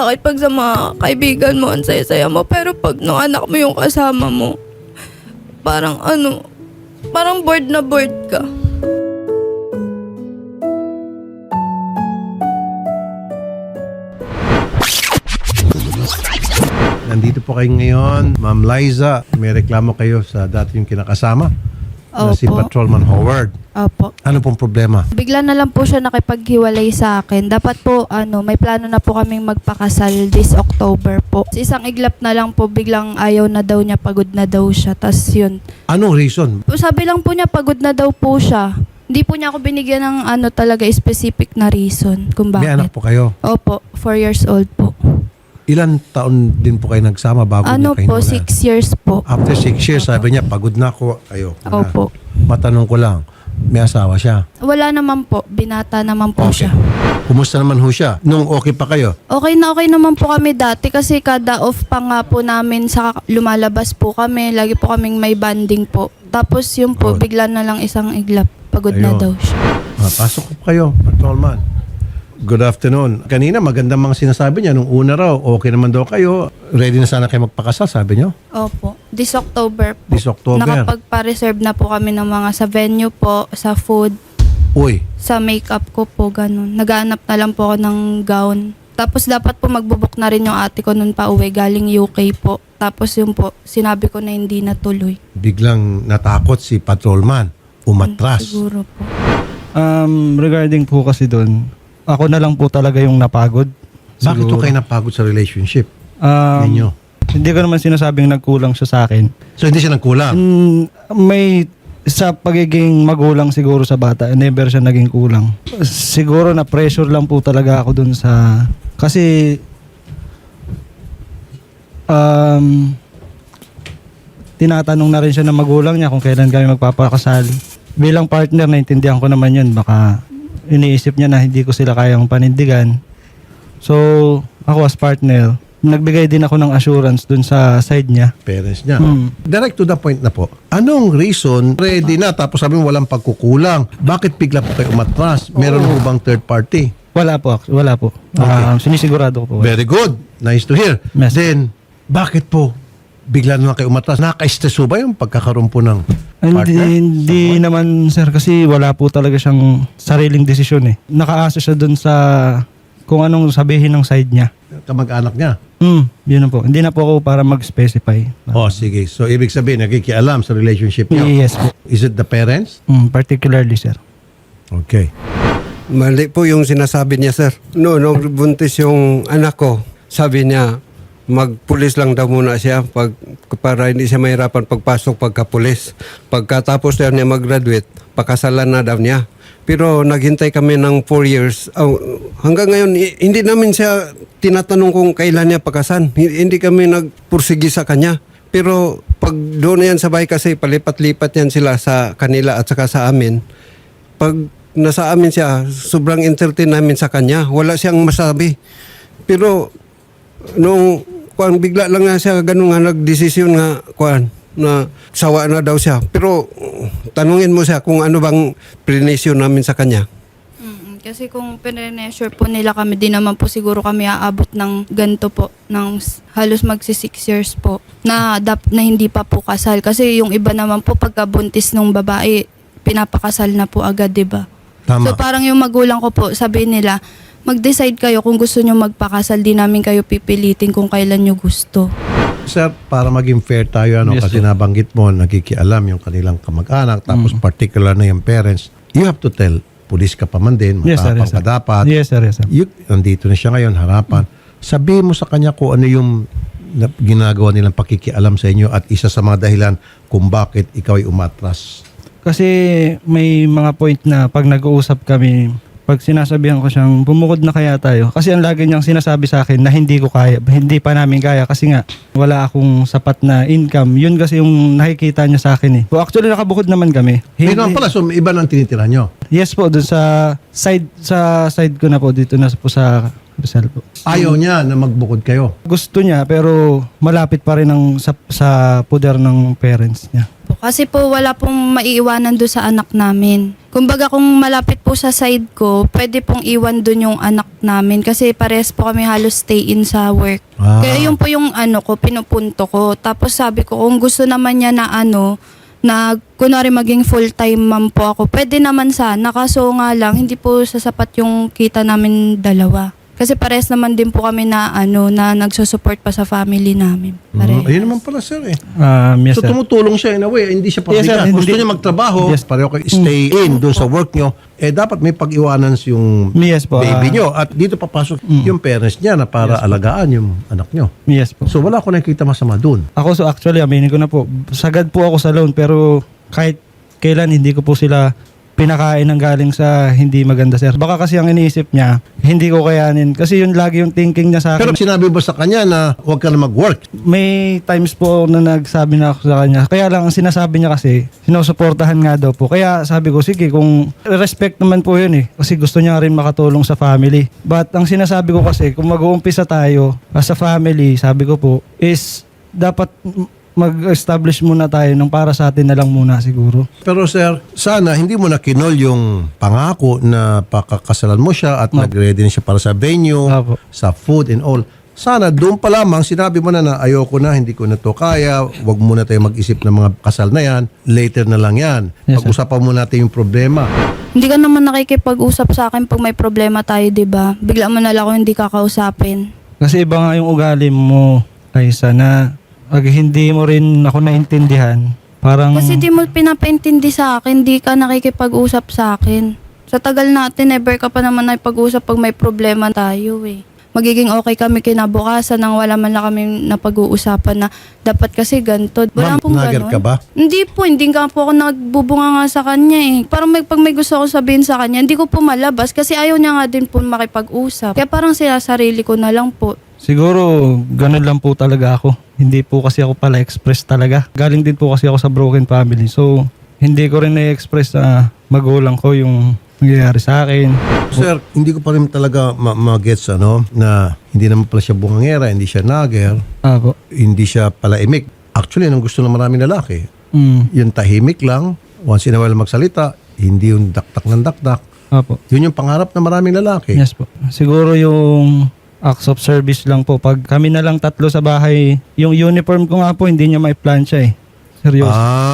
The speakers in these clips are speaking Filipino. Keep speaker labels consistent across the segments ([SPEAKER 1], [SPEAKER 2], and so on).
[SPEAKER 1] bakit pag sa mga kaibigan mo, ang saya-saya mo, pero pag nung anak mo yung kasama mo, parang parang bored na bored ka.
[SPEAKER 2] Nandito po kayo ngayon, Ma'am Liza. May reklamo kayo sa dati yung kinakasama na si
[SPEAKER 1] Opo.
[SPEAKER 2] Patrolman Howard.
[SPEAKER 1] Opo.
[SPEAKER 2] Ano pong problema?
[SPEAKER 1] Bigla na lang po siya nakipaghiwalay sa akin. Dapat po, may plano na po kaming magpakasal this October po. Isang iglap na lang po, biglang ayaw na daw niya, pagod na daw siya. Tas yun.
[SPEAKER 2] Anong reason?
[SPEAKER 1] Sabi lang po niya, pagod na daw po siya. Hindi po niya ako binigyan ng talaga specific na reason kung bakit.
[SPEAKER 2] May anak po kayo.
[SPEAKER 1] Opo, 4 years old po.
[SPEAKER 2] Ilan taon din po kayo nagsama bago niyo kayo
[SPEAKER 1] Po, 6 years po.
[SPEAKER 2] After 6 years, sabi niya, pagod na ako. Ayoko na.
[SPEAKER 1] Opo.
[SPEAKER 2] Matanong ko lang, may asawa siya?
[SPEAKER 1] Wala naman po, binata naman po siya.
[SPEAKER 2] Kumusta naman ho siya? Nung okay pa kayo?
[SPEAKER 1] Okay naman po kami dati kasi kada off pa nga po namin sa lumalabas po kami. Lagi po kaming may banding po. Tapos yun po,
[SPEAKER 2] Good.
[SPEAKER 1] bigla na lang isang iglap. Pagod na
[SPEAKER 2] Ayun.
[SPEAKER 1] daw siya.
[SPEAKER 2] Pasok po kayo, Patrolman. Good afternoon. Kanina magandang mga sinasabi niya. Nung una raw, okay naman daw kayo. Ready na sana kayo magpakasal, sabi niyo?
[SPEAKER 1] Opo. This October po.
[SPEAKER 2] This October.
[SPEAKER 1] Nakapagpa-reserve na po kami ng mga sa venue po, sa food,
[SPEAKER 2] Uy,
[SPEAKER 1] sa makeup ko po, ganun. Nagaanap na lang po ako ng gown. Tapos dapat po magbubuk na rin yung ate ko nun pa uwi, galing UK po. Tapos yun po, sinabi ko na hindi natuloy.
[SPEAKER 2] biglang natakot si Patrolman. Umatras.
[SPEAKER 1] Siguro po.
[SPEAKER 3] Regarding po kasi doon, ako na lang po talaga yung napagod.
[SPEAKER 2] Bakit
[SPEAKER 3] Siguro.
[SPEAKER 2] po kayo napagod sa relationship
[SPEAKER 3] Ninyo.
[SPEAKER 2] ninyo?
[SPEAKER 3] Hindi ko naman sinasabing nagkulang siya sa akin.
[SPEAKER 2] So hindi siya nagkulang?
[SPEAKER 3] May sa pagiging magulang siguro sa bata, never siya naging kulang. Siguro na pressure lang po talaga ako dun sa... Kasi... tinatanong na rin siya ng magulang niya kung kailan kami magpapakasal. Bilang partner, naintindihan ko naman yun. Baka iniisip niya na hindi ko sila kayang panindigan. So, ako as partner, nagbigay din ako ng assurance dun sa side niya.
[SPEAKER 2] Parents niya.
[SPEAKER 3] Hmm.
[SPEAKER 2] Direct to the point na po. Anong reason, ready na, tapos sabi mo walang pagkukulang. Bakit bigla po kayo umatras? Meron po bang third party?
[SPEAKER 3] Wala po. Wala po. Sinisigurado ko po.
[SPEAKER 2] Very good. Nice to hear.
[SPEAKER 3] Yes.
[SPEAKER 2] Then, bakit po bigla na lang kayo umatras? Naka-stress ba yung pagkakaroon po ng partner?
[SPEAKER 3] Hindi naman sir kasi wala po talaga siyang sariling desisyon eh. Nakaasa siya dun sa kung anong sabihin ng side niya.
[SPEAKER 2] Kamag-anak niya.
[SPEAKER 3] Yun na po. Hindi na po ako para mag-specify.
[SPEAKER 2] Oh, sige. So, ibig sabihin, nakikialam sa relationship niyo.
[SPEAKER 3] Yes po.
[SPEAKER 2] Is it the parents?
[SPEAKER 3] Particularly sir.
[SPEAKER 2] Okay.
[SPEAKER 4] Mali po yung sinasabi niya, sir. Nung buntis yung anak ko, sabi niya, magpulis lang daw muna siya para hindi siya mahirapan pagpasok pagkapulis. Pagkatapos daw niya mag-graduate, pakasalan na daw niya. Pero naghintay kami ng 4 years. Hanggang ngayon, hindi namin siya tinatanong kung kailan niya pakasan. Hindi kami nagpursigi sa kanya. Pero pag doon yan sa bahay kasi, palipat-lipat yan sila sa kanila at saka sa amin. Pag nasa amin siya, sobrang entertain namin sa kanya. Wala siyang masabi. Pero nung bigla lang nga siya ganun nga nagdesisyon nga na sawa na daw siya. Pero tanungin mo siya kung ano bang prinisyon namin sa kanya.
[SPEAKER 1] Kasi kung pinrenesure po nila kami, di naman po siguro kami aabot ng ganito po, ng halos magsi 6 years po, na hindi pa po kasal. Kasi yung iba naman po, pagkabuntis ng babae, pinapakasal na po agad, di ba?
[SPEAKER 2] Tama.
[SPEAKER 1] So parang yung magulang ko po, sabi nila, mag-decide kayo kung gusto nyo magpakasal, di namin kayo pipilitin kung kailan nyo gusto.
[SPEAKER 2] Sir, para maging fair tayo,
[SPEAKER 3] Yes,
[SPEAKER 2] kasi
[SPEAKER 3] sir.
[SPEAKER 2] nabanggit mo, nakikialam yung kanilang kamag-anak, tapos particular na yung parents, you have to tell, pulis ka pa man din,
[SPEAKER 3] Yes sir.
[SPEAKER 2] matapang
[SPEAKER 3] Yes, sir.
[SPEAKER 2] ka dapat.
[SPEAKER 3] Yes sir. Yes sir.
[SPEAKER 2] Nandito na siya ngayon, harapan. Sabihin mo sa kanya kung ano yung ginagawa nilang pakikialam sa inyo at isa sa mga dahilan kung bakit ikaw ay umatras.
[SPEAKER 3] Kasi may mga point na pag nag-uusap kami, pag sinasabihan ko siyang bumukod na kaya tayo. Kasi ang lagi niyang sinasabi sa akin na hindi ko kaya, hindi pa namin kaya kasi nga wala akong sapat na income. Yun kasi yung nakikita niya sa akin eh. So actually nakabukod naman kami.
[SPEAKER 2] Hindi naman pala, so iba nang tinitira nyo.
[SPEAKER 3] Yes po, dun sa side ko na po dito na po sa Rizal po.
[SPEAKER 2] Ayaw niya na magbukod kayo.
[SPEAKER 3] Gusto niya pero malapit pa rin sa poder ng parents niya.
[SPEAKER 1] Kasi po wala pong maiiwanan doon sa anak namin. Kumbaga kung malapit po sa side ko, pwede pong iwan dun yung anak namin kasi pares po kami halos stay in sa work.
[SPEAKER 2] Ah.
[SPEAKER 1] Kaya yun po yung pinupunto ko. Tapos sabi ko, kung gusto naman niya na na kunwari maging full-time mom po ako, pwede naman sana. Kaso nga lang, hindi po sasapat yung kita namin dalawa. Kasi pares naman din po kami na na nagsusupport pa sa family namin. Pares.
[SPEAKER 2] Ayun naman pala, sir eh.
[SPEAKER 3] Yes,
[SPEAKER 2] So
[SPEAKER 3] sir.
[SPEAKER 2] tumutulong siya in a way, hindi siya
[SPEAKER 3] Yes, sir.
[SPEAKER 2] pabigat. Gusto
[SPEAKER 3] Hindi-
[SPEAKER 2] niya magtrabaho,
[SPEAKER 3] Yes.
[SPEAKER 2] pareho kayo stay in doon sa work nyo, dapat may pag-iwanan yung
[SPEAKER 3] Yes po.
[SPEAKER 2] baby nyo. At dito papasok yung parents niya na para alagaan yung anak nyo.
[SPEAKER 3] Yes po.
[SPEAKER 2] So wala ko nakikita masama doon.
[SPEAKER 3] Ako actually, aminin ko na po, sagad po ako sa loan pero kahit kailan hindi ko po sila pinakain ng galing sa hindi maganda, sir. Baka kasi ang iniisip niya, hindi ko kayanin. Kasi yun lagi yung thinking niya sa
[SPEAKER 2] Pero
[SPEAKER 3] akin.
[SPEAKER 2] sinabi ba sa kanya na huwag ka na mag-work?
[SPEAKER 3] May times po na nagsabi na ako sa kanya. Kaya lang ang sinasabi niya kasi, sinusuportahan nga daw po. Kaya sabi ko, sige, kung respect naman po yun eh. Kasi gusto niya rin makatulong sa family. But ang sinasabi ko kasi, kung mag-uumpisa tayo as a family, sabi ko po, is dapat mag-establish muna tayo ng para sa atin na lang muna siguro.
[SPEAKER 2] Pero sir, sana hindi mo na kinol yung pangako na pakakasalan mo siya at nag-ready na siya para sa venue,
[SPEAKER 3] Apo.
[SPEAKER 2] sa food and all. Sana doon pa lamang sinabi mo na ayoko na, hindi ko na to kaya, wag muna tayo mag-isip ng mga kasal na yan, later na lang yan.
[SPEAKER 3] Yes, sir.
[SPEAKER 2] Pag-usapan mo natin yung problema.
[SPEAKER 1] Hindi ka naman nakikipag-usap sa akin pag may problema tayo, di ba? Bigla mo na lang ako hindi kakausapin.
[SPEAKER 3] Kasi iba nga yung ugali mo, Liza, na pag hindi mo rin ako naintindihan, parang...
[SPEAKER 1] Kasi di mo pinapaintindi sa akin, di ka nakikipag-usap sa akin. Sa tagal natin, never ka pa naman nakipag-usap pag may problema tayo eh. Magiging okay kami kinabukasan nang wala man lang kami napag-uusapan na dapat kasi ganito. Wala
[SPEAKER 2] Ma'am,
[SPEAKER 1] pong
[SPEAKER 2] nugget
[SPEAKER 1] ganun.
[SPEAKER 2] ka ba?
[SPEAKER 1] Hindi po, hindi nga po ako nagbubunga nga sa kanya eh. Parang pag may gusto ako sabihin sa kanya, hindi ko po malabas kasi ayaw niya nga din po makipag-usap. Kaya parang sinasarili ko na lang po.
[SPEAKER 3] Siguro, ganun lang po talaga ako. Hindi po kasi ako pala express talaga. Galing din po kasi ako sa broken family. So, hindi ko rin na-express sa magulang ko yung nangyayari sa akin.
[SPEAKER 2] Sir, hindi ko pa rin talaga ma-gets na hindi naman pala siya bungangera, hindi siya nager,
[SPEAKER 3] Apo.
[SPEAKER 2] hindi siya pala imik. Actually, ang gusto ng maraming lalaki, yung tahimik lang, once in a while magsalita, hindi yung daktak ng daktak.
[SPEAKER 3] Apo.
[SPEAKER 2] Yun yung pangarap ng maraming lalaki.
[SPEAKER 3] Yes po. Siguro yung acts of service lang po. Pag kami na lang tatlo sa bahay, yung uniform ko nga po, hindi niya may plancha eh. Seryoso.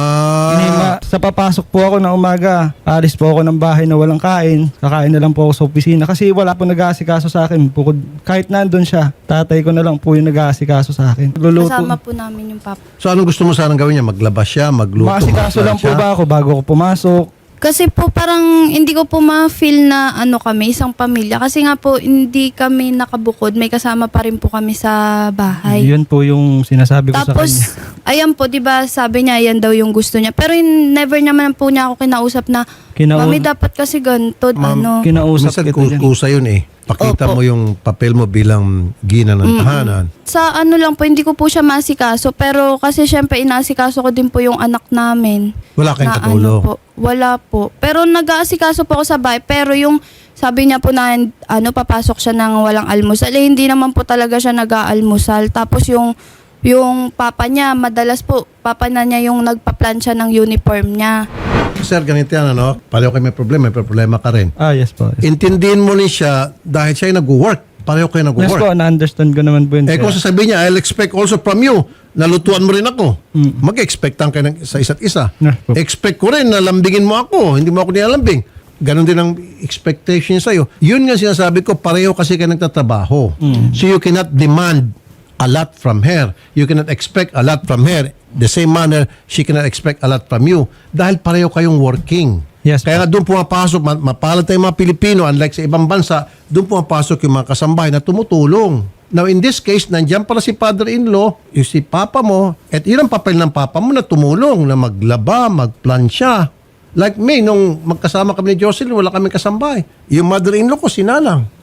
[SPEAKER 3] Sa papasok po ako na umaga, alis po ako ng bahay na walang kain. Kakain na lang po ako sa opisina kasi wala po nag-aasikaso sa akin. Bukod, kahit nandun siya, tatay ko na lang po yung nag-aasikaso sa akin. Luluto.
[SPEAKER 1] Kasama po namin yung papa.
[SPEAKER 2] So anong gusto mo sanang gawin niya? Maglabas siya, magluto,
[SPEAKER 3] Maasikaso lang po
[SPEAKER 2] magplansya?
[SPEAKER 3] ba ako bago ako pumasok?
[SPEAKER 1] Kasi po parang hindi ko po ma-feel na kami, isang pamilya. Kasi nga po hindi kami nakabukod, may kasama pa rin po kami sa bahay.
[SPEAKER 3] Yun po yung sinasabi ko sa
[SPEAKER 1] Tapos,
[SPEAKER 3] kanya.
[SPEAKER 1] ayan po, di ba sabi niya, yan daw yung gusto niya. Pero never naman po niya ako kinausap na, Mami, dapat kasi ganito,
[SPEAKER 2] Ma'am,
[SPEAKER 3] Kinausap
[SPEAKER 2] minsan
[SPEAKER 3] kita dyan.
[SPEAKER 2] kusa yun eh. Pakita
[SPEAKER 1] Opo.
[SPEAKER 2] mo yung papel mo bilang gina ng tahanan.
[SPEAKER 1] Sa lang po, hindi ko po siya maasikaso. Pero kasi syempre, inaasikaso ko din po yung anak namin.
[SPEAKER 2] Wala kayong
[SPEAKER 1] Na
[SPEAKER 2] katulong.
[SPEAKER 1] po, wala po. Pero nag-aasikaso po ako sa bahay. Pero yung sabi niya po na papasok siya ng walang almusal. Eh, hindi naman po talaga siya nag-aalmusal. Tapos yung papa niya, madalas po, papa na niya yung nagpa-plan siya ng uniform niya.
[SPEAKER 2] Sir, ganito yan, pareho kayo may problema ka rin.
[SPEAKER 3] Yes po.
[SPEAKER 2] Intindihin mo rin siya dahil siya ay nag-work. Pareho kayo
[SPEAKER 3] Yes
[SPEAKER 2] nag-work.
[SPEAKER 3] po, na-understand ko naman po yun.
[SPEAKER 2] Kung
[SPEAKER 3] sir.
[SPEAKER 2] sasabihin niya, I'll expect also from you, nalutuan mo rin ako. Mag-expectan kayo sa isa't isa.
[SPEAKER 3] Yes po.
[SPEAKER 2] Expect ko rin na lambingin mo ako, hindi mo ako nilalambing. Ganon din ang expectation niya sa'yo. Yun nga sinasabi ko, pareho kasi kayo nagtatrabaho. So you cannot demand a lot from her. You cannot expect a lot from her. The same manner, she cannot expect a lot from you. Dahil pareho kayong working.
[SPEAKER 3] Yes,
[SPEAKER 2] Kaya nga doon pumapasok, mapalad tayong mga Pilipino, unlike sa ibang bansa, doon pumapasok yung mga kasambahay na tumutulong. Now in this case, nandiyan pala si father-in-law, yung si papa mo, at yun ang papel ng papa mo na tumulong, na maglaba, magplansya. Like me, nung magkasama kami ni Jocelyn, wala kaming kasambahay. Yung mother-in-law ko, sinalang.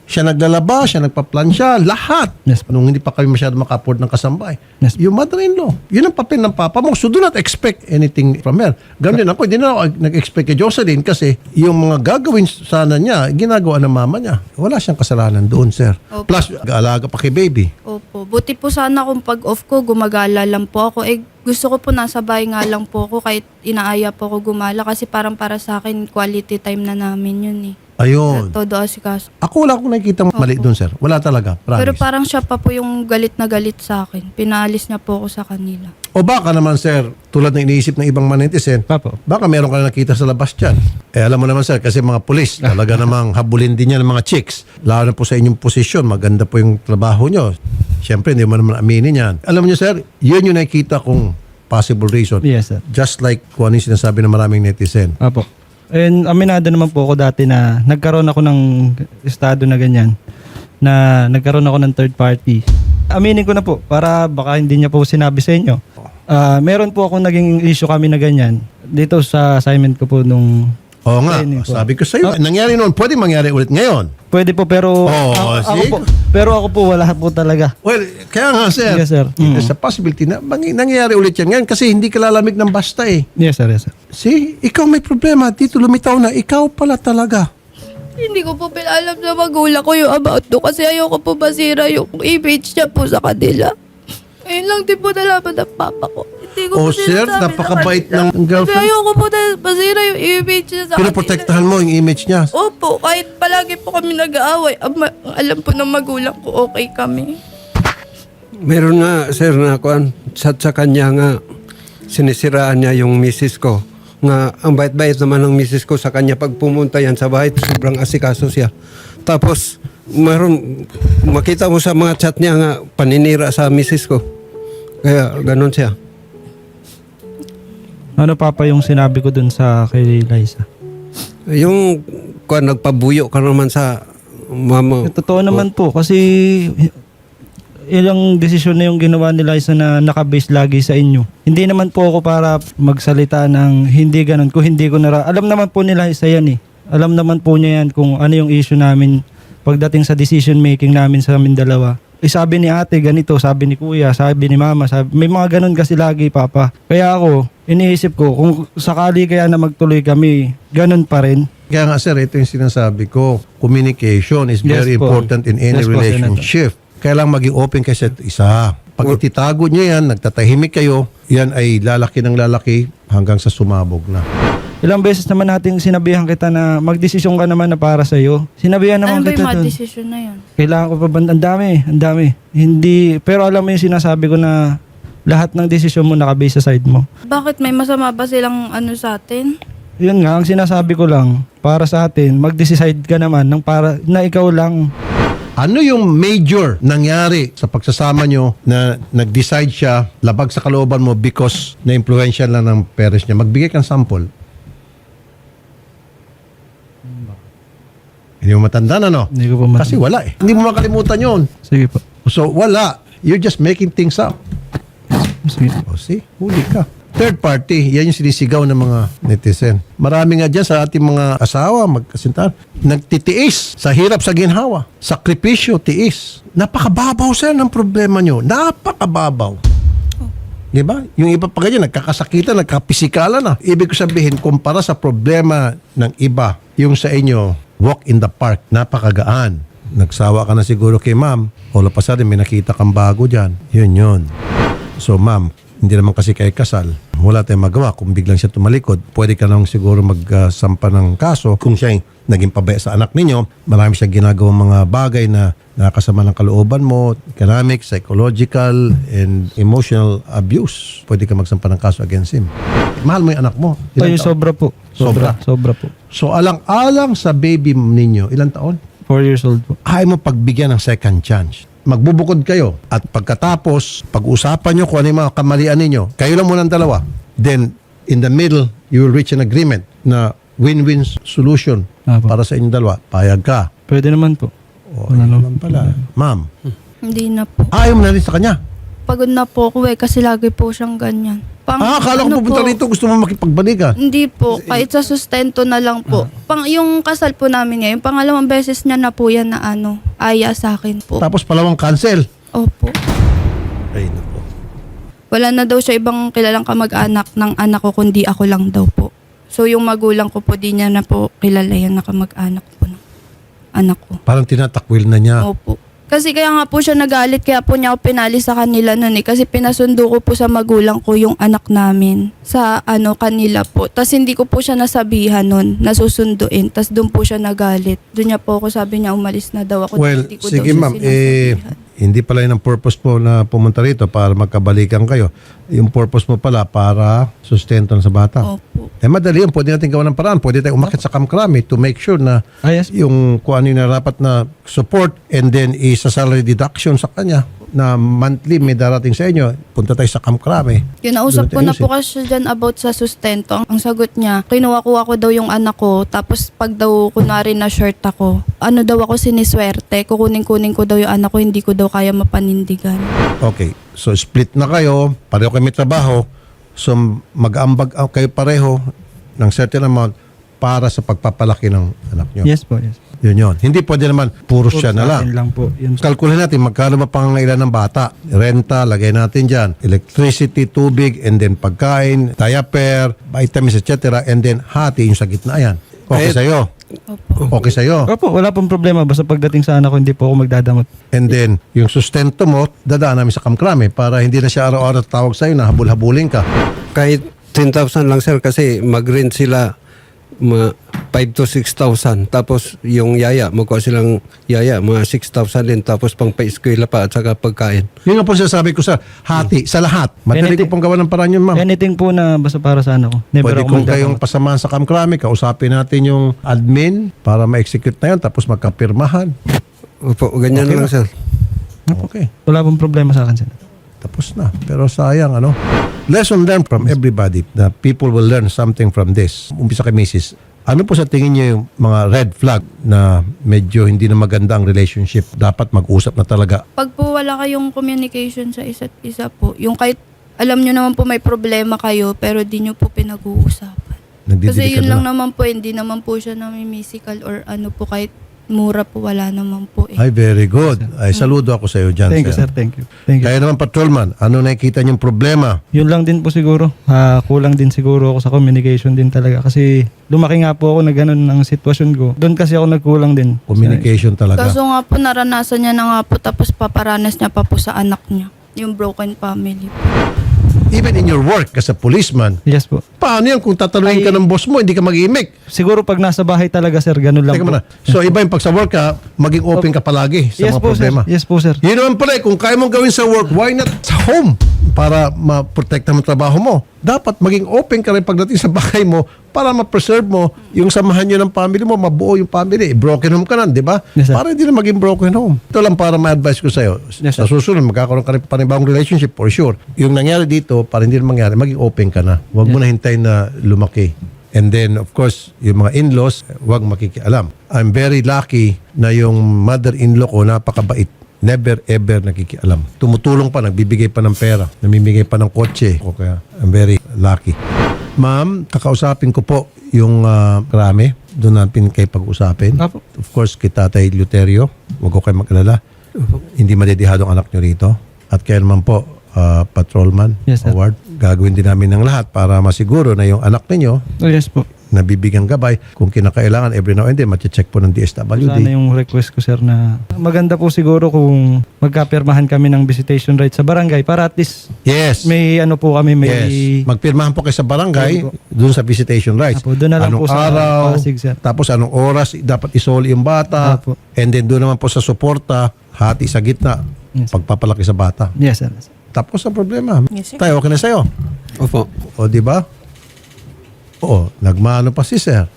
[SPEAKER 2] Siya naglalaba, siya nagpaplansya, lahat.
[SPEAKER 3] Yes, po.
[SPEAKER 2] Nung hindi pa kami masyado maka-afford ng kasambay.
[SPEAKER 3] Yes, po.
[SPEAKER 2] Yung mother-in-law, yun ang papel ng papa mo. So do not expect anything from her. Ganun din ako, hindi na ako nag-expect kay Jocelyn kasi yung mga gagawin sana niya, ginagawa ng mama niya. Wala siyang kasalanan doon, sir.
[SPEAKER 1] Opo.
[SPEAKER 2] Plus, alaga pa kay baby.
[SPEAKER 1] Opo. Buti po sana kung pag-off ko, gumagala lang po ako. Gusto ko po nasa bahay nga lang po ako kahit inaaya po ako gumala kasi parang para sa akin, quality time na namin yun eh.
[SPEAKER 2] Ayun.
[SPEAKER 1] Todo asikaso.
[SPEAKER 2] Ako wala akong nakikita mali doon, sir. Wala talaga. Promise.
[SPEAKER 1] Pero parang siya pa po yung galit na galit sa akin. Pinaalis niya po ako sa kanila.
[SPEAKER 2] O baka naman, sir, tulad ng iniisip ng ibang manetizen,
[SPEAKER 3] Papo.
[SPEAKER 2] baka meron ka na nakita sa labas dyan. Alam mo naman, sir, kasi mga pulis, talaga namang habulin din yan ng mga chicks. Lalo na po sa inyong posisyon, maganda po yung trabaho nyo. Siyempre, hindi mo naman aminin yan. Alam niyo, sir, yun yung nakikita kong possible reason.
[SPEAKER 3] Yes, sir.
[SPEAKER 2] Just like kung ano yung sinasabi ng maraming netizen.
[SPEAKER 3] Apo. And aminado naman po ako dati na nagkaroon ako ng estado na ganyan, na nagkaroon ako ng third party. Aminin ko na po para baka hindi niya po sinabi sa inyo. Meron po ako naging issue kami na ganyan dito sa assignment ko po nung
[SPEAKER 2] Oo nga,
[SPEAKER 3] training po.
[SPEAKER 2] sabi ko sa iyo, nangyari noon, pwede mangyari ulit ngayon.
[SPEAKER 3] Pwede po pero
[SPEAKER 2] see?
[SPEAKER 3] ako po wala po talaga.
[SPEAKER 2] Well, kaya nga, sir,
[SPEAKER 3] Yes, sir.
[SPEAKER 2] there's a possibility na nangyari ulit yan ngayon kasi hindi ka lalamig ng basta eh.
[SPEAKER 3] Yes, sir. Yes, sir.
[SPEAKER 2] See, ikaw may problema. Dito lumitaw na. Ikaw pala talaga.
[SPEAKER 1] Hindi ko po pinalam sa magulang ko yung about to kasi ayoko po masira yung image niya po sa kanila. Ayun lang din po nalaman ng papa ko. Hindi ko
[SPEAKER 2] Oh,
[SPEAKER 1] po
[SPEAKER 2] sir,
[SPEAKER 1] sinasabi sa
[SPEAKER 2] napakabait
[SPEAKER 1] kanila.
[SPEAKER 2] ng girlfriend.
[SPEAKER 1] Kasi ayoko po na masira yung image niya sa kanila.
[SPEAKER 2] Pinoprotektahan mo yung image niya.
[SPEAKER 1] Opo, kahit palagi po kami nag-aaway, alam po ng magulang ko okay kami.
[SPEAKER 4] Meron nga, sir, na kuan, sa kanya nga, sinisiraan niya yung misis ko. Nga, ang bait-bait naman ng misis ko sa kanya. Pag pumunta yan sa bahay, sobrang asikaso siya. Tapos, makita mo sa mga chat niya nga, paninira sa misis ko. Kaya, ganun siya.
[SPEAKER 3] Ano papa yung sinabi ko dun sa kay Liza?
[SPEAKER 4] Yung, kuan, nagpabuyo ka naman sa mama.
[SPEAKER 3] Totoo naman po kasi ilang desisyon na yung ginawa ni Liza na nakabase lagi sa inyo. Hindi naman po ako para magsalita ng hindi ganun. Kung hindi ko alam naman po ni Liza yan eh. Alam naman po niya yan kung ano yung issue namin pagdating sa decision making namin sa amin dalawa. Sabi ni ate ganito, sabi ni kuya, sabi ni mama, may mga ganun kasi lagi papa. Kaya ako, iniisip ko kung sakali kaya na magtuloy kami, ganun pa rin.
[SPEAKER 2] Kaya nga, sir, ito yung sinasabi ko. Communication is very
[SPEAKER 3] Yes po.
[SPEAKER 2] important in any
[SPEAKER 3] Yes po,
[SPEAKER 2] relationship. Kailangan maging open kayo sa isa. Pag ititago nyo yan, nagtatahimik kayo, yan ay lalaki ng lalaki hanggang sa sumabog na.
[SPEAKER 3] Ilang beses naman nating sinabihan kita na magdesisyon ka naman na para sa'yo. Sinabihan
[SPEAKER 1] Ano
[SPEAKER 3] naman
[SPEAKER 1] ba
[SPEAKER 3] kita
[SPEAKER 1] yung mga
[SPEAKER 3] dun.
[SPEAKER 1] desisyon na yun?
[SPEAKER 3] Kailangan ko pa ba? Ang dami. Hindi, pero alam mo yung sinasabi ko na lahat ng desisyon mo nakabase sa side mo.
[SPEAKER 1] Bakit may masama ba silang sa atin?
[SPEAKER 3] Yun nga, ang sinasabi ko lang, para sa atin, mag-decide ka naman ng para na ikaw lang.
[SPEAKER 2] Ano yung major nangyari sa pagsasama nyo na nag-decide siya labag sa kalooban mo because na-influential lang ng parents niya? Magbigay kang sample. Hindi mo matanda na, no?
[SPEAKER 3] Hindi ko pa
[SPEAKER 2] Kasi wala eh. Hindi mo makalimutan yun.
[SPEAKER 3] Sige po.
[SPEAKER 2] So, wala. You're just making things up.
[SPEAKER 3] Sige.
[SPEAKER 2] O, see? Huli ka. Third party, yan yung sinisigaw ng mga netizen. Marami nga dyan sa ating mga asawa, magkasintahan, nagtitiis sa hirap sa ginhawa. Sakripisyo, tiis. Napakababaw, sir, ng problema nyo. Napakababaw. Di ba? Yung iba pa ganyan, nagkakasakitan, nagkapisikalan na. Ibig ko sabihin, kumpara sa problema ng iba, yung sa inyo, walk in the park, napakagaan. Nagsawa ka na siguro kay ma'am, all of a sudden may nakita kang bago dyan. Yun. So ma'am, hindi naman kasi kayo kasal. Wala tayong magawa. Kung biglang siya tumalikod, pwede ka nang siguro magsampa ng kaso. Kung siya naging pabaya sa anak ninyo, marami siyang ginagawang mga bagay na nakasama ng kalooban mo, economic, psychological, and emotional abuse. Pwede ka magsampa ng kaso against him. Mahal mo yung anak mo.
[SPEAKER 3] Ay,
[SPEAKER 2] Ilang taon?
[SPEAKER 3] sobra po. Sobra po.
[SPEAKER 2] So alang-alang sa baby ninyo, ilang taon?
[SPEAKER 3] 4 years old po.
[SPEAKER 2] Ayaw mo pagbigyan ng second chance. Magbubukod kayo at pagkatapos, pag-usapan nyo kung ano yung mga kamalian ninyo, kayo lang muna ang dalawa. Then, in the middle, you will reach an agreement na win-win solution
[SPEAKER 3] Apo.
[SPEAKER 2] para sa inyong dalawa. Payag ka.
[SPEAKER 3] Pwede naman po.
[SPEAKER 2] O, ayun naman pala. Ma'am,
[SPEAKER 1] Hindi na po.
[SPEAKER 2] ayaw mo na rin sa kanya.
[SPEAKER 1] pagod na po ako kasi lagi po siyang ganyan.
[SPEAKER 2] Akala ko pupunta
[SPEAKER 1] po,
[SPEAKER 2] rito, gusto mo makipagbalikan.
[SPEAKER 1] Hindi po, kahit sa sustento na lang po. Yung kasal po namin ngayon, pangalawang beses niya na po yan na aya sa akin po.
[SPEAKER 2] Tapos palawang cancel.
[SPEAKER 1] Opo.
[SPEAKER 2] Ay, naku.
[SPEAKER 1] Wala na daw siya ibang kilalang kamag-anak ng anak ko, kundi ako lang daw po. So yung magulang ko po, di niya na po kilala yan na kamag-anak po ng anak ko.
[SPEAKER 2] Parang tinatakwil na niya.
[SPEAKER 1] Opo. Kasi kaya nga po siya nagalit, kaya po niya ako pinali sa kanila nun Kasi pinasundo ko po sa magulang ko yung anak namin sa kanila po. Tapos hindi ko po siya nasabihan nun, nasusunduin. Tapos doon po siya nagalit. Doon niya po ako sabi niya umalis na daw ako.
[SPEAKER 2] Well,
[SPEAKER 1] Hindi ko
[SPEAKER 2] sige
[SPEAKER 1] daw siya
[SPEAKER 2] ma'am,
[SPEAKER 1] sinasabihan.
[SPEAKER 2] hindi pala yun ang purpose mo na pumunta rito para magkabalikan kayo. Yung purpose mo pala para sustento sa bata.
[SPEAKER 1] Opo.
[SPEAKER 2] Madali yun. Pwede natin gawa ng paraan. Pwede tayo umakit sa kamkrami to make sure na
[SPEAKER 3] Yes.
[SPEAKER 2] yung kung ano yung narapat na support and then isa salary deduction sa kanya na monthly may darating sa inyo. Punta tayo sa kamkrami.
[SPEAKER 1] Kinausap ko
[SPEAKER 2] Doon
[SPEAKER 1] na
[SPEAKER 2] natin
[SPEAKER 1] po kasi siya dyan about sa sustento. Ang sagot niya, kinuha-kuha ko daw yung anak ko, tapos pag daw kunwari na short ako, daw ako siniswerte, kukunin-kunin ko daw yung anak ko, hindi ko daw kaya mapanindigan.
[SPEAKER 2] Okay. So split na kayo. Pareho kayo may trabaho. So mag-ambag kayo pareho ng certain amount para sa pagpapalaki ng anak nyo.
[SPEAKER 3] Yes po, yes.
[SPEAKER 2] Yun. Hindi pwede naman puro siya na lang.
[SPEAKER 3] Sa akin lang po. Yun.
[SPEAKER 2] Kalkulin natin magkano ba pangangailan ng bata. Renta, lagay natin dyan. Electricity, tubig, and then pagkain, diaper, vitamins, etc. And then hati yung sa gitna yan. Okay sa'yo.
[SPEAKER 1] Opo.
[SPEAKER 2] Okay sa'yo.
[SPEAKER 3] Opo, wala pong problema. Basta pagdating sa anak ko, hindi po ako magdadamot.
[SPEAKER 2] And then, yung sustento mo, dadaan namin sa kamkrame para hindi na siya araw-araw tawag sa'yo na habul-habulin ka.
[SPEAKER 4] Kahit 10,000 lang sir kasi mag-rent sila 5 to 6,000. Tapos yung yaya, magkuha silang yaya, mga 6,000 din. Tapos pang pa-eskwela pa at saka pagkain.
[SPEAKER 2] Yun nga po sinasabi ko sa hati, sa lahat. Madali ko
[SPEAKER 3] Anything-
[SPEAKER 2] pong gawa ng paraan yun, ma'am.
[SPEAKER 3] Anything po na basta para sa anak ko. Never
[SPEAKER 2] Pwede
[SPEAKER 3] ako
[SPEAKER 2] kung kayong
[SPEAKER 3] magdadamot.
[SPEAKER 2] pasamahan sa kamkrame, kausapin natin yung admin para ma-execute na yun, tapos magkapirmahan.
[SPEAKER 4] Opo, ganyan
[SPEAKER 2] Okay
[SPEAKER 4] lang
[SPEAKER 2] na.
[SPEAKER 4] sir.
[SPEAKER 2] Okay.
[SPEAKER 3] Wala pong problema sa akin, sir.
[SPEAKER 2] Tapos na. Pero sayang, Lesson learned from everybody na people will learn something from this. Umpisa kay Mrs. Ano po sa tingin niyo yung mga red flag na medyo hindi na maganda ang relationship? Dapat mag-usap na talaga.
[SPEAKER 1] Pag po wala kayong communication sa isa't isa po, yung kahit alam nyo naman po may problema kayo, pero di nyo po pinag-uusapan. Kasi
[SPEAKER 2] Nagdidelikado
[SPEAKER 1] yun lang
[SPEAKER 2] na.
[SPEAKER 1] naman po, hindi naman po siya namimisikal or kahit mura po, wala naman po
[SPEAKER 2] Ay, very good. Ay, saludo ako sa iyo dyan,
[SPEAKER 3] Thank you, sir. Thank you. Thank you.
[SPEAKER 2] Kaya naman, patrolman, ano nakikita niyong problema?
[SPEAKER 3] Yun lang din po siguro. Kulang din siguro ako sa communication din talaga. Kasi lumaki nga po ako na ganun ang sitwasyon ko. Doon kasi ako nagkulang din.
[SPEAKER 2] Communication talaga.
[SPEAKER 1] Kaso nga po, naranasan niya na nga po, tapos paparanas niya pa po sa anak niya. Yung broken family po.
[SPEAKER 2] Even in your work as a policeman,
[SPEAKER 3] Yes po.
[SPEAKER 2] paano yan kung tatanungin ka ng boss mo, hindi ka mag-imik?
[SPEAKER 3] Siguro pag nasa bahay talaga, sir, ganun lang
[SPEAKER 2] Teka
[SPEAKER 3] po.
[SPEAKER 2] muna. So iba yung pag sa work ka, maging open ka palagi sa
[SPEAKER 3] Yes
[SPEAKER 2] mga
[SPEAKER 3] po,
[SPEAKER 2] problema.
[SPEAKER 3] sir. Yes po, sir.
[SPEAKER 2] Yun naman pala, kung kaya mong gawin sa work, why not sa home? Para ma-protect mo ang trabaho mo. Dapat maging open ka rin pagdating sa bahay mo para ma-preserve mo yung samahan nyo ng family mo, mabuo yung family. Broken home ka na, di ba?
[SPEAKER 3] Yes, sir.
[SPEAKER 2] Para hindi na maging broken home. Ito lang para ma-advise ko sa'yo.
[SPEAKER 3] Yes,
[SPEAKER 2] Sa susunod, magkakaroon ka rin panibagong relationship for sure. Yung nangyari dito, para hindi na mangyari, maging open ka na. Huwag mo na hintayin na lumaki. And then, of course, yung mga in-laws, huwag makikialam. I'm very lucky na yung mother-in-law ko napakabait. Never ever nakikialam. Tumutulong pa, nagbibigay pa ng pera, namimigay pa ng kotse. O kaya, I'm very lucky. Ma'am, kakausapin ko po yung krami. Doon natin kayo pag-usapin.
[SPEAKER 3] Apo.
[SPEAKER 2] Of course, kay Tatay Luterio. Huwag ko kayo mag-alala. Hindi madedihado ang anak nyo rito. At kaya naman po, Patrolman
[SPEAKER 3] Yes, sir.
[SPEAKER 2] Howard, gagawin din namin ng lahat para masiguro na yung anak ninyo
[SPEAKER 3] Oh, yes po.
[SPEAKER 2] nabibigyan gabay. Kung kinakailangan, every now and then, mache-check po ng DSWD.
[SPEAKER 3] Sana yung request ko, sir, na maganda po siguro kung magkapirmahan kami ng visitation rights sa barangay para at least
[SPEAKER 2] Yes.
[SPEAKER 3] may po kami, may...
[SPEAKER 2] Yes. Magpirmahan po kayo sa barangay
[SPEAKER 3] Yes,
[SPEAKER 2] doon sa visitation rights.
[SPEAKER 3] Apo, doon na lang
[SPEAKER 2] anong
[SPEAKER 3] po sa
[SPEAKER 2] araw,
[SPEAKER 3] Pasig, sir.
[SPEAKER 2] tapos anong oras dapat isoli yung bata.
[SPEAKER 3] Apo.
[SPEAKER 2] And then doon naman po sa suporta, hati sa gitna,
[SPEAKER 3] Yes.
[SPEAKER 2] pagpapalaki sa bata.
[SPEAKER 3] Yes, sir.
[SPEAKER 2] Tapos ang problema.
[SPEAKER 1] Yes, sir.
[SPEAKER 2] Tayo, okay na sa'yo.
[SPEAKER 4] Opo.
[SPEAKER 2] O, di ba? Oo, nagmano pa si sir.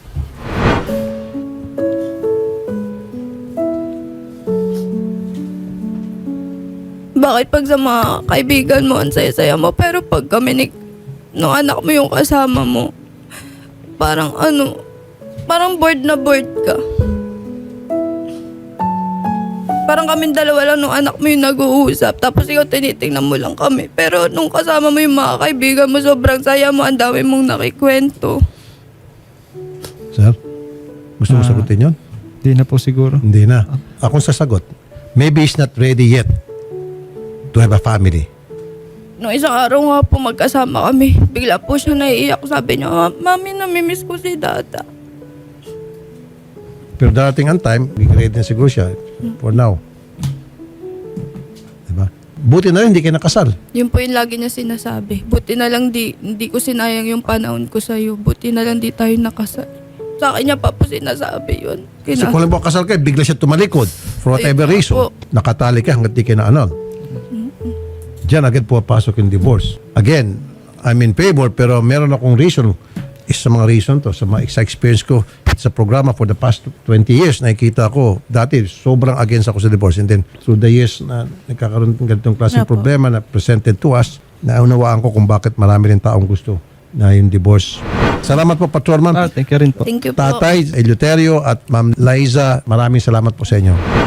[SPEAKER 1] Bakit pag sa mga kaibigan mo, ang saya-saya mo, pero pag kami nung anak mo yung kasama mo, parang parang bored na bored ka. Parang kaming dalawa lang nung anak mo yung nag-uusap. Tapos ikaw tinitingnan mo lang kami. Pero nung kasama mo yung mga kaibigan mo, sobrang saya mo. Ang dami mong nakikwento.
[SPEAKER 2] Sir, gusto mo sagutin yun?
[SPEAKER 3] Di na po siguro.
[SPEAKER 2] Hindi na. Akong sasagot. Maybe he's not ready yet to have a family.
[SPEAKER 1] Nung isang araw nga po magkasama kami, bigla po siya naiiyak. Sabi niya, Mami, namimiss ko si Dada.
[SPEAKER 2] Pero darating ang time, ready na siguro siya for now. Diba? Buti na rin, hindi kayo nakasal.
[SPEAKER 1] Yun po yung lagi niya sinasabi. Buti na lang hindi ko sinayang yung panahon ko sa'yo. Buti na lang di tayo nakasal. Sa akin niya pa po sinasabi yun.
[SPEAKER 2] Kasi kung lang kasal kayo, bigla siya tumalikod. For whatever
[SPEAKER 1] Ayun nga
[SPEAKER 2] reason.
[SPEAKER 1] po.
[SPEAKER 2] Nakatali ka hanggang di kayo na anod. Diyan agad pumapasok yung divorce. Again, I'm in favor pero meron akong reason. Isa sa mga reason to. Sa experience ko sa programa for the past 20 years, nakikita ko, dati sobrang against ako sa divorce. And then through the years na nagkakaroon ng ganitong klaseng
[SPEAKER 1] Opo.
[SPEAKER 2] problema na presented to us, naunawaan ko kung bakit marami rin taong gusto na yung divorce. Salamat po, Patrolman.
[SPEAKER 3] Thank you rin po.
[SPEAKER 1] Thank you po.
[SPEAKER 2] Tatay Eleuterio at Ma'am Liza, maraming salamat po sa inyo.